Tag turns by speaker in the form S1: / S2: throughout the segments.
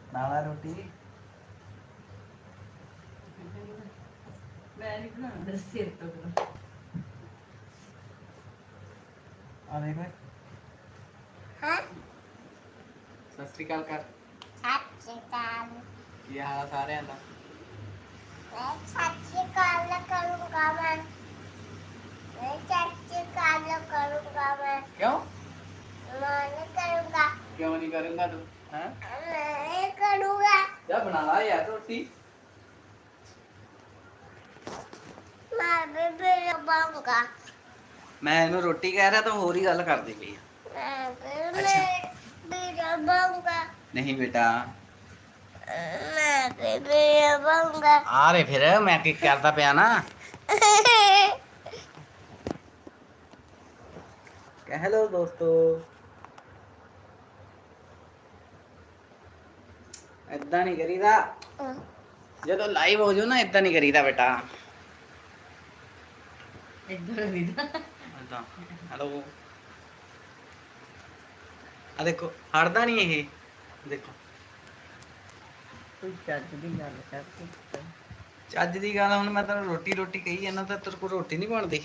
S1: ਨਾਲਾ ਰੋਟੀ
S2: ਮੈਂ ਨਹੀਂ ਬਣਾਉਂਦਾ ਸਿਰ ਤੋਂ ਕਰੋ।
S1: ਆ ਦੇਖ ਓਏ
S3: ਹਾਂ
S1: ਸਤਿ ਸ੍ਰੀ ਅਕਾਲ ਕਰ
S3: ਸੱਚੀ ਕਾਲ
S1: ਕੀ ਹਾਲ ਆ ਸਾਰਿਆਂ ਦਾ
S3: ਮੈਂ ਸੱਚੀ ਕਾਲ ਕਰੂੰਗਾ ਮੈਂ ਸੱਚੀ ਕਾਲ ਕਰੂੰਗਾ ਮੈਂ
S1: ਕਿਉਂ
S3: ਨਹੀਂ ਕਰੂੰਗਾ
S1: ਕਿਉਂ ਨਹੀਂ ਕਰੂੰਗਾ ਤੂੰ ਹੈ
S3: ਮੈਂ ਕਰੂੰਗਾ
S1: ਜਾ ਬਣਾ ਲਾ ਯਾਰ ਰੋਟੀ
S3: ਮੈਂ ਬੇਬੇ ਬਾਂਗਾ
S1: ਮੈਂ ਇਹਨੂੰ ਰੋਟੀ ਕਹਿ ਰਿਹਾ ਤਾਂ ਹੋਰ ਹੀ ਗੱਲ ਕਰਦੀ ਪਈ ਆ
S3: ਮੈਂ
S1: ਅੱਛਾ।
S3: ਬੇਬੇ ਬਾਂਗਾ
S1: ਨਹੀਂ ਬੇਟਾ
S3: ਮੈਂ ਬੇਬੇ ਬਾਂਗਾ
S1: ਆ ਰੇ ਫਿਰ ਮੈਂ ਕੀ ਕਰਦਾ ਪਿਆ ਨਾ ਹੈਲੋ ਦੋਸਤੋ ਏਦਾਂ ਨਹੀਂ ਕਰੀਦਾ ਜਦੋਂ ਲਾਈਵ ਹੋ ਜਾਓ ਨਾ ਏਦਾਂ ਨਹੀਂ ਕਰੀਦਾ ਬੇਟਾ
S2: ਇੱਧਰ ਵੀ ਦਾ
S1: ਏਦਾਂ ਹੈਲੋ ਆ ਦੇਖੋ ਹਟਦਾ ਨਹੀਂ ਇਹ ਦੇਖੋ
S2: ਕੋਈ ਚੱਜ ਦੀ ਗੱਲ ਕਰ
S1: ਚੱਜ ਦੀ ਗੱਲ ਹੁਣ ਮੈਂ ਤੈਨੂੰ ਰੋਟੀ ਰੋਟੀ ਕਹੀ ਜਾਂਦਾ ਤਾਂ ਤੇਰੇ ਕੋਲ ਰੋਟੀ ਨਹੀਂ ਬਣਦੀ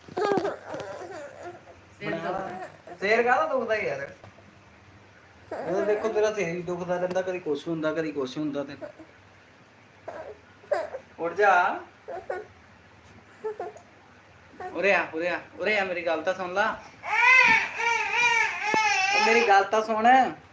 S2: ਸਿਰ ਤੋਂ
S1: ਸਿਰ ਕਾਹਦਾ ਦੁਖਦਾ ਯਾਰ ਉਹ ਦੇਖੋ ਤੇਰਾ ਸਿਰ ਹੀ ਦੁਖਦਾ ਰਹਿੰਦਾ ਕਦੀ ਕੁਛ ਹੁੰਦਾ ਕਦੀ ਕੁਛ ਹੁੰਦਾ ਤੇ ਉੱਠ ਜਾ ਉਰੇ ਆ ਉਰੇ ਆ ਉਰੇ ਆ ਮੇਰੀ ਗੱਲ ਤਾਂ ਸੁਣ ਲਾ ਉਹ ਮੇਰੀ ਗੱਲ ਤਾਂ ਸੁਣ